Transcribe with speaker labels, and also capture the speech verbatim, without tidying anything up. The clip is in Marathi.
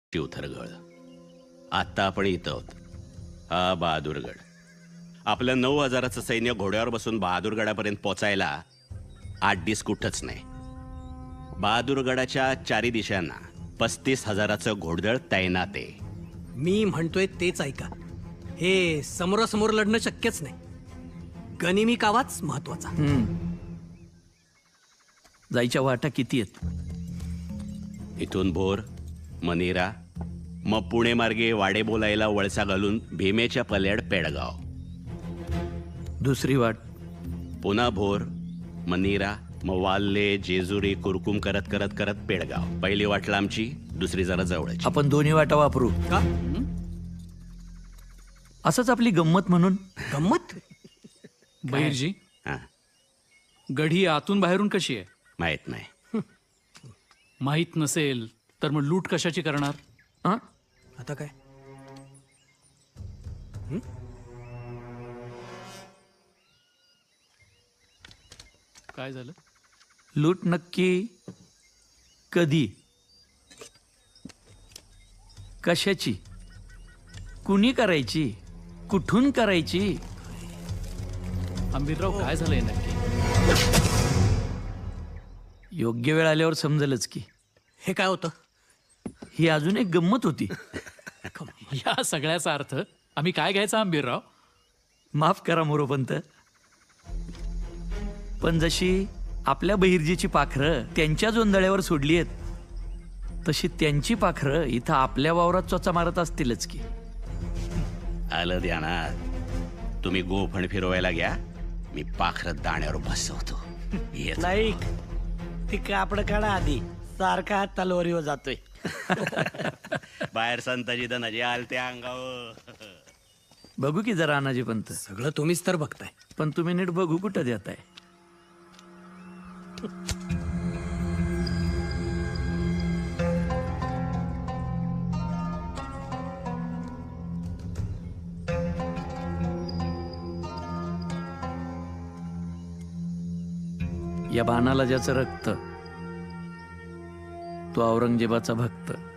Speaker 1: शिवथरगळ. आत्ता आपण इथं आहोत. हा बहादूरगड. आपलं नऊ हजाराचं सैन्य घोड्यावर बसून बहादूरगडापर्यंत पोचायला आठ दिस कुठंच नाही. बहादूरगडाच्या चारी दिशांना पस्तीस हजाराचं घोडदळ तैनात आहे.
Speaker 2: मी म्हणतोय तेच ऐका. हे समोरासमोर लढणं शक्यच नाही. गनिमी कावाच महत्वाचा.
Speaker 3: जायच्या वाटा किती आहेत?
Speaker 1: इथून भोर, मनेरा, मग पुणे मार्गे वाडे बोलायला वळसा घालून भीमेच्या पल्याड पेडगाव.
Speaker 3: दुसरी वाट
Speaker 1: पुन्हा भोर, मनीरा, मग वाल्ले, जेजुरी, कुरकुम करत करत करत पेडगाव. पहिली वाट लांबची, दुसरी जरा जवळची.
Speaker 3: आपण दोन्ही वाटा वापरू
Speaker 2: का?
Speaker 3: असंच आपली गंमत म्हणून.
Speaker 2: गंमत?
Speaker 4: बहिरजी,
Speaker 1: हा,
Speaker 4: गढी आतून बाहेरून कशी आहे?
Speaker 1: माहित नाही.
Speaker 4: माहीत नसेल तर मग लूट कशाची करणार?
Speaker 3: हं?
Speaker 2: आता काय?
Speaker 4: काय झालं?
Speaker 3: लूट नक्की कधी, कशाची, कुणी करायची, कुठून करायची?
Speaker 4: आंबीरराव, काय झालंय नक्की?
Speaker 3: योग्य वेळ आल्यावर समजेलच की.
Speaker 2: हे काय होतं?
Speaker 3: ही अजून एक गंमत होती.
Speaker 4: या सगळ्याचा अर्थ आम्ही काय घ्यायचा आंबीरराव?
Speaker 3: माफ करा मोरोपंत, पण जशी आपल्या बहिर्जीची पाखरं त्यांच्या जोंधळ्यावर सोडली आहेत, तशी त्यांची पाखरं इथं आपल्या वावरात चोचा मारत असतीलच की.
Speaker 1: आलं ध्यानात. तुम्ही गोफण फिरवायला घ्या, मी पाखरत दाण्यावर बसवतो. येच.
Speaker 5: नाही, ती कापड काढा आधी. सारखा तलवारीवर जातोय.
Speaker 1: बाहेर संताजी धनाजी आलते अंगावर.
Speaker 3: बघू की जरा अनाजी पंत.
Speaker 2: सगळं तुम्हीच तर बघताय.
Speaker 3: पण तुम्ही नीट बघू कुठं देताय? या बाणाला ज्याचं रक्त, तो औरंगजेबाचा भक्त.